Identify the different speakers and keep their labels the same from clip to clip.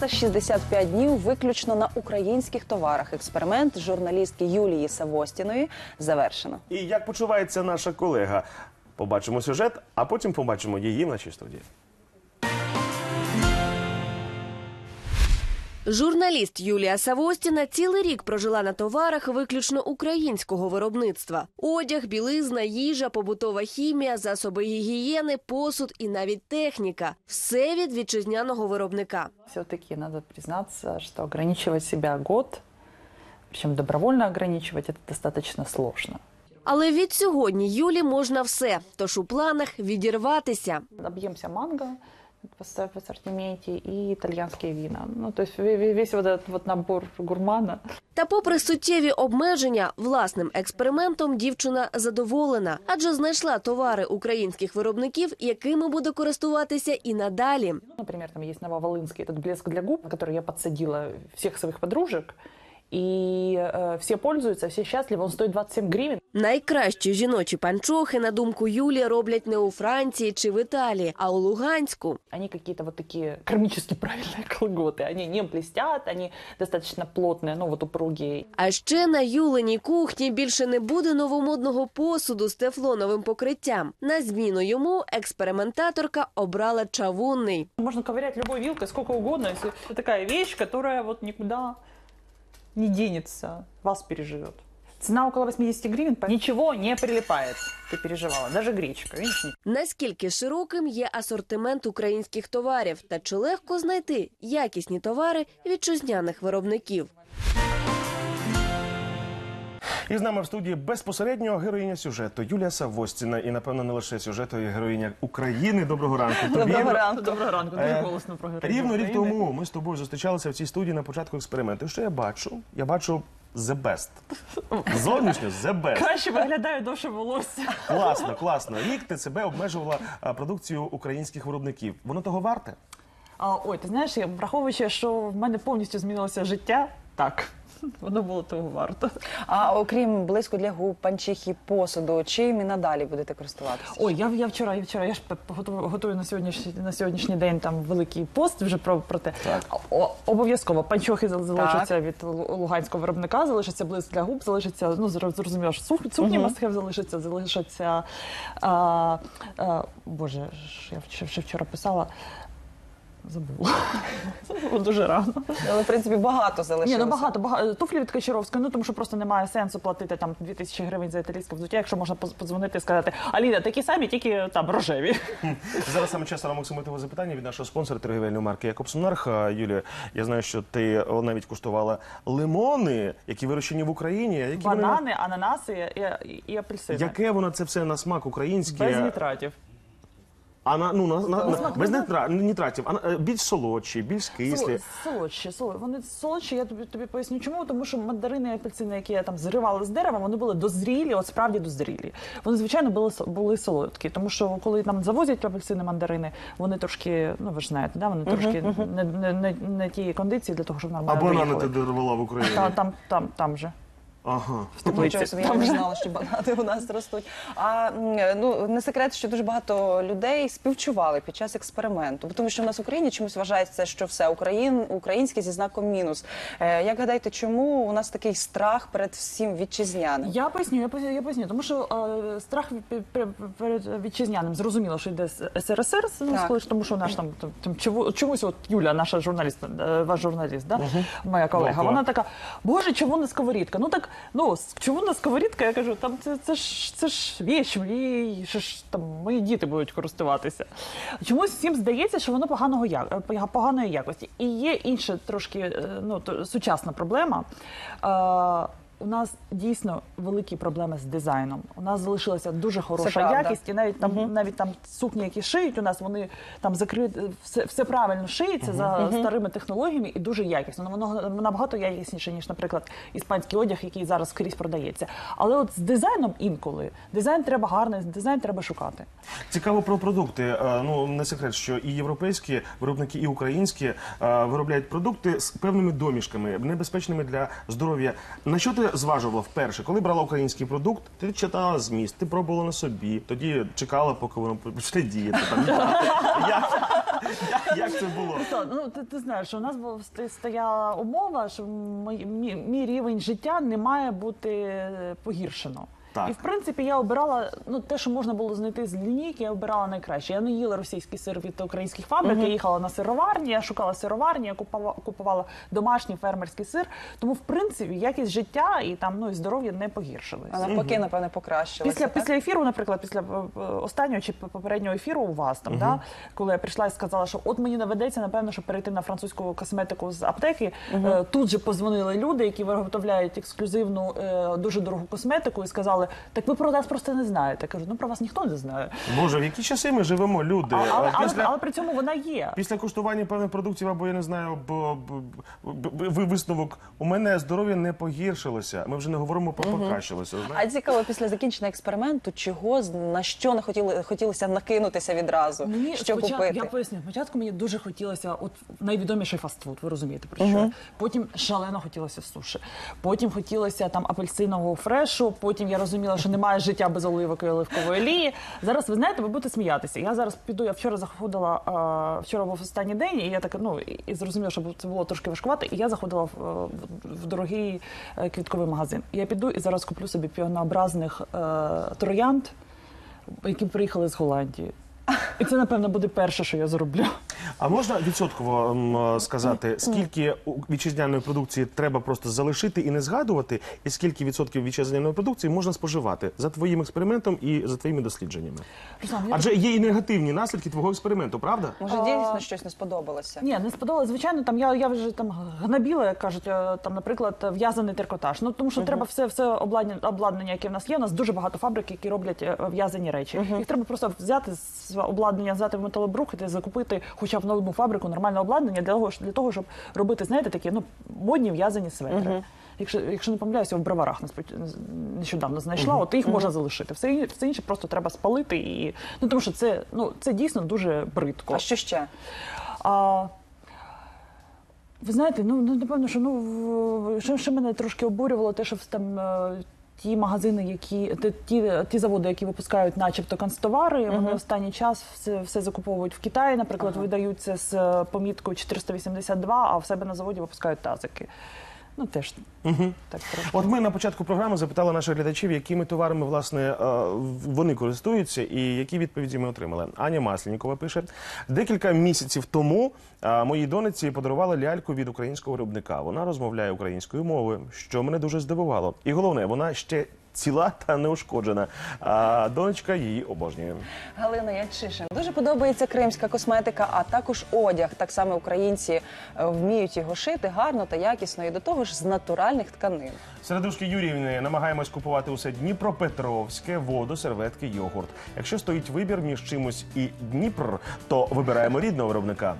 Speaker 1: 365 днів виключно на українських товарах. Експеримент журналістки Юлії Савостіної завершено.
Speaker 2: І як почувається наша колега? Побачимо сюжет, а потім побачимо її в нашій студії.
Speaker 3: Журналіст Юлія Савостіна цілий рік прожила на товарах виключно українського виробництва. Одяг, білизна, їжа, побутова хімія, засоби гігієни, посуд і навіть техніка. Все від вітчизняного виробника.
Speaker 4: Все-таки надо признаться, что ограничивать себя год, причем добровольно ограничивать, это достаточно сложно.
Speaker 3: Але від сьогодні Юлі можна все, тож у планах відірватися.
Speaker 4: Объемся манго в ассортименте и итальянские вина. Ну, то есть весь вот этот вот набор гурмана.
Speaker 3: Та попри суттєві обмеження, власним експериментом дівчина задоволена, адже знайшла товари українських виробників, якими буде користуватися і надалі.
Speaker 4: Например, там есть нововолынский этот блеск для губ, который я подсадила всех своих подружек. І всі пользуються, всі щасливі, він стоїть 27 гривень.
Speaker 3: Найкращі жіночі панчохи, на думку Юлії, роблять не у Франції чи в Італії, а у Луганську.
Speaker 4: Вони какие-то вот такие кармически правильные колготы. Они не блестят, они достаточно плотные, ну вот упругие.
Speaker 3: А ще на Юлиній кухні більше не буде новомодного посуду з тефлоновим покриттям. На зміну йому експериментаторка обрала чавунний.
Speaker 4: Можно ковырять любой вилкой сколько угодно, если это такая вещь, которая вот никуда не денется, вас переживет. Цена около 80 гривен, ничего не прилипает. Ты переживала, даже гречка, видишь?
Speaker 3: Наскільки широким є асортимент українських товарів та чи легко знайти якісні товари вітчизняних виробників?
Speaker 2: І з нами в студії безпосередньо героїня сюжету Юлія Савостіна. І, напевно, не лише сюжету, і героїня України. Доброго ранку.
Speaker 1: Доброго ранку.
Speaker 4: Доброго ранку, дуже голосно про героїню
Speaker 2: Рівно рік
Speaker 4: України.
Speaker 2: тому ми з тобою зустрічалися в цій студії на початку експерименту. І що я бачу? Я бачу the best. Зовнішньо the best.
Speaker 4: Краще виглядає довше волосся.
Speaker 2: Класно, класно. Рік ти себе обмежувала продукцію українських виробників. Воно того варте?
Speaker 4: Ой, ти знаєш, враховуючи, що в мене повністю змінилося життя, так, воно було того варто.
Speaker 1: А окрім блиску для губ, панчохи, посуду, чим і надалі будете користуватися?
Speaker 4: Ой, я вчора, я ж готую на сьогоднішній день там великий пост вже про те. Обов'язково панчохи залишаться від луганського виробника, залишиться блиск для губ, залишиться, ну, зрозуміло, що сукні мастхев залишаться, боже, я ще вчора писала, забула. Було дуже рано.
Speaker 1: Але, в принципі, багато залишилося.
Speaker 4: Ні, ну багато. Туфлі від Качаровської, ну тому що просто немає сенсу платити там 2000 гривень за італійське взуття, якщо можна подзвонити і сказати: Аліна, такі самі, тільки там рожеві.
Speaker 2: Зараз саме час на максимумове запитання від нашого спонсора торгівельної марки Якобс-Монарх. Юлія, я знаю, що ти навіть куштувала лимони, які вирощені в Україні. Які
Speaker 4: банани, ананаси і апельсини.
Speaker 2: Яке воно це все на смак українське?
Speaker 4: Без нітратів.
Speaker 2: Без нітратів, більш солодші, більш кислі.
Speaker 4: Солодші. Вони солодші, я тобі поясню чому, тому що мандарини і апельсини, які я там зривала з дерева, вони були дозрілі, от справді дозрілі. Вони, звичайно, були солодкі, тому що коли там завозять апельсини, мандарини, вони трошки, ну ви ж знаєте, да, вони трошки не ті кондиції для того, щоб нормально
Speaker 2: доїхали. А
Speaker 4: доїхали.
Speaker 2: банани ти дарувала в Україні?
Speaker 4: Там же.
Speaker 2: Ага.
Speaker 1: Нічого собі, я не знала, що банани у нас ростуть. А ну, не секрет, що дуже багато людей співчували під час експерименту. Тому що в нас в Україні чомусь вважається, що все українське зі знаком мінус. Як гадаєте, чому у нас такий страх перед всім вітчизняним?
Speaker 4: Я поясню. Тому що страх перед вітчизняним, зрозуміло, що йде з СРСР, тому що наш там чомусь, от Юля, наша журналіст, ваш журналіст, да? Моя колега, вона така: боже, чому не сковорідка? Ну, чому на сковорідка? Я кажу, там це ж віч, там мої діти будуть користуватися. Чомусь всім здається, що воно поганої якості. І є інша трошки, ну, сучасна проблема. У нас дійсно великі проблеми з дизайном. У нас залишилася дуже хороша якість, і навіть там сукні, які шиють у нас, вони там закриють, все правильно шиється за старими технологіями і дуже якісно. Воно набагато якісніше, ніж, наприклад, іспанський одяг, який зараз скрізь продається. Але от з дизайном інколи, дизайн треба гарний, дизайн треба шукати.
Speaker 2: Цікаво про продукти. Ну, не секрет, що і європейські виробники, і українські виробляють продукти з певними домішками, небезпечними для здоров'я. На що ти коли зважувала вперше, коли брала український продукт, ти читала зміст, ти пробувала на собі, тоді чекала, поки воно почне діяти. Як це було?
Speaker 4: Ну, ти знаєш, що у нас стояла умова, що мій рівень життя не має бути погіршено.
Speaker 2: Так.
Speaker 4: І, в принципі, я обирала, те, що можна було знайти з лінійки, я обирала найкраще. Я не їла російський сир від українських фабрик, я їхала на сироварні, я шукала сироварні, я купувала домашній фермерський сир. Тому, в принципі, якість життя і там, і здоров'я не погіршилось.
Speaker 1: А навпаки, напевне, покращилося.
Speaker 4: Після ефіру, наприклад, після останнього чи попереднього ефіру у вас там, да, коли я прийшла і сказала, що от мені наведеться, напевно, щоб перейти на французьку косметику з аптеки, тут же позвонили люди, які виготовляють ексклюзивну, дуже дорогу косметику, і сказали, так ви про нас просто не знаєте. Я кажу, про вас ніхто не знає.
Speaker 2: Боже, в які часи ми живемо, люди?
Speaker 4: Але при цьому вона є.
Speaker 2: Після куштування певних продуктів, або, я не знаю, висновок, у мене здоров'я не погіршилося. Ми вже не говоримо про покращилося.
Speaker 1: А цікаво, після закінчення експерименту, на що не хотілося накинутися відразу, що купити?
Speaker 4: Я поясню, спочатку мені дуже хотілося, от найвідоміший фастфуд, ви розумієте, про що? Потім шалено хотілося суші. Потім хотілося там апельсинового фрешу, потім я розуміла, що немає життя без оливок і оливкової олії. Зараз, ви знаєте, ви будете сміятися. Я зараз піду, я вчора заходила, вчора був останній день, і я так, і зрозуміла, що це було трошки важкувато, і я заходила в дорогий квітковий магазин. Я піду і зараз куплю собі піонообразних троянд, які приїхали з Голландії. І це, напевно, буде перше, що я зроблю.
Speaker 2: А можна відсотково сказати, скільки вітчизняної продукції треба просто залишити і не згадувати, і скільки відсотків вітчизняної продукції можна споживати за твоїм експериментом і за твоїми дослідженнями? Адже є і негативні наслідки твого експерименту, правда?
Speaker 1: Може, дійсно щось не сподобалося?
Speaker 4: Ні, не сподобалося. Звичайно, там я вже там гнобіла, як кажуть, там, наприклад, в'язаний трикотаж. Тому що треба все обладнання, яке в нас є. У нас дуже багато фабрик, які роблять в'язані речі. Їх треба просто взяти з обладнання, взяти в металобрухт і закупити хоча б в нову фабрику нормальне обладнання для того, щоб робити, знаєте, такі модні в'язані светри. Якщо не помиляюся, в Броварах нещодавно знайшла, от їх можна залишити. Все інше просто треба спалити. Тому що це дійсно дуже бридко.
Speaker 1: А що ще?
Speaker 4: Ви знаєте, напевно, що мене трошки обурювало, те, що там ті магазини, ті заводи, які випускають начебто канцтовари, вони останній час все закуповують в Китаї, наприклад, видаються з поміткою 482, а в себе на заводі випускають тазики. Теж так трошки.
Speaker 2: От ми на початку програми запитали наших глядачів, якими товарами, власне, вони користуються і які відповіді ми отримали. Аня Масленікова пише: декілька місяців тому моїй донеці подарували ляльку від українського виробника. Вона розмовляє українською мовою, що мене дуже здивувало. І головне, вона ще ціла та неушкоджена. А донечка її обожнює.
Speaker 1: Галина Ячишин. Дуже подобається кримська косметика, а також одяг. Так само українці вміють його шити гарно та якісно, і до того ж з натуральних тканин.
Speaker 2: Середушки Юріївни, намагаємось купувати усе Дніпропетровське, воду, серветки, йогурт. Якщо стоїть вибір між чимось і Дніпр, то вибираємо рідного виробника.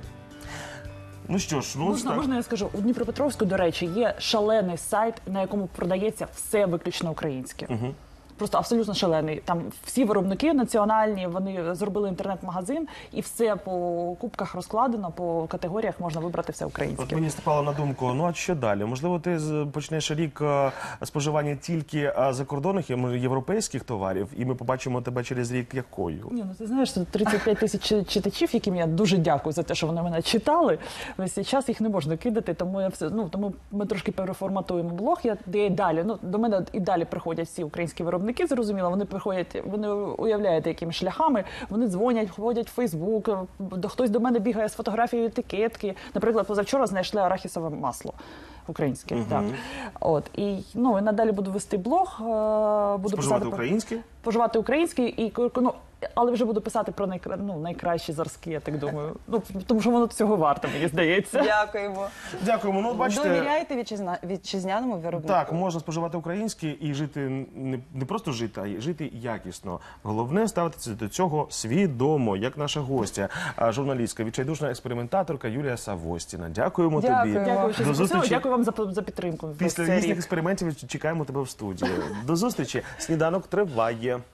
Speaker 2: Ну що ж,
Speaker 4: можна я скажу? У Дніпропетровську, до речі, є шалений сайт, на якому продається все виключно українське. Просто абсолютно шалений. Там всі виробники національні, вони зробили інтернет-магазин, і все по кубках розкладено, по категоріях можна вибрати все українське.
Speaker 2: От мені спало на думку, а що далі? Можливо, ти почнеш рік споживання тільки закордонних європейських товарів, і ми побачимо тебе через рік якою?
Speaker 4: Ні, ти знаєш, 35 тисяч читачів, яким я дуже дякую за те, що вони мене читали. Весь цей час їх не можна кидати, тому тому ми трошки переформатуємо блог. До мене і далі приходять всі українські виробники. Зрозуміло, вони приходять, вони уявляєте, якими шляхами, вони дзвонять, ходять в Фейсбук, хтось до мене бігає з фотографією етикетки. Наприклад, позавчора знайшли арахісове масло українське. Так. І надалі буду вести блог, буду
Speaker 2: споживати українське?
Speaker 4: Споживати українське, але вже буду писати про найкращі зразки, я так думаю. Тому що воно цього варто, мені здається.
Speaker 1: Дякуємо.
Speaker 2: Дякуємо. Бачите,
Speaker 1: довіряєте вітчизняному виробнику?
Speaker 2: Так, можна споживати українське і жити, не просто жити, а й жити якісно. Головне ставитися до цього свідомо, як наша гостя, журналістка, відчайдушна експериментаторка Юлія Савостіна. Дякуємо тобі.
Speaker 4: Дякую, що запросили. Дякую вам за підтримку.
Speaker 2: Після різних експериментів чекаємо тебе в студії. До зустрічі. Сніданок триває.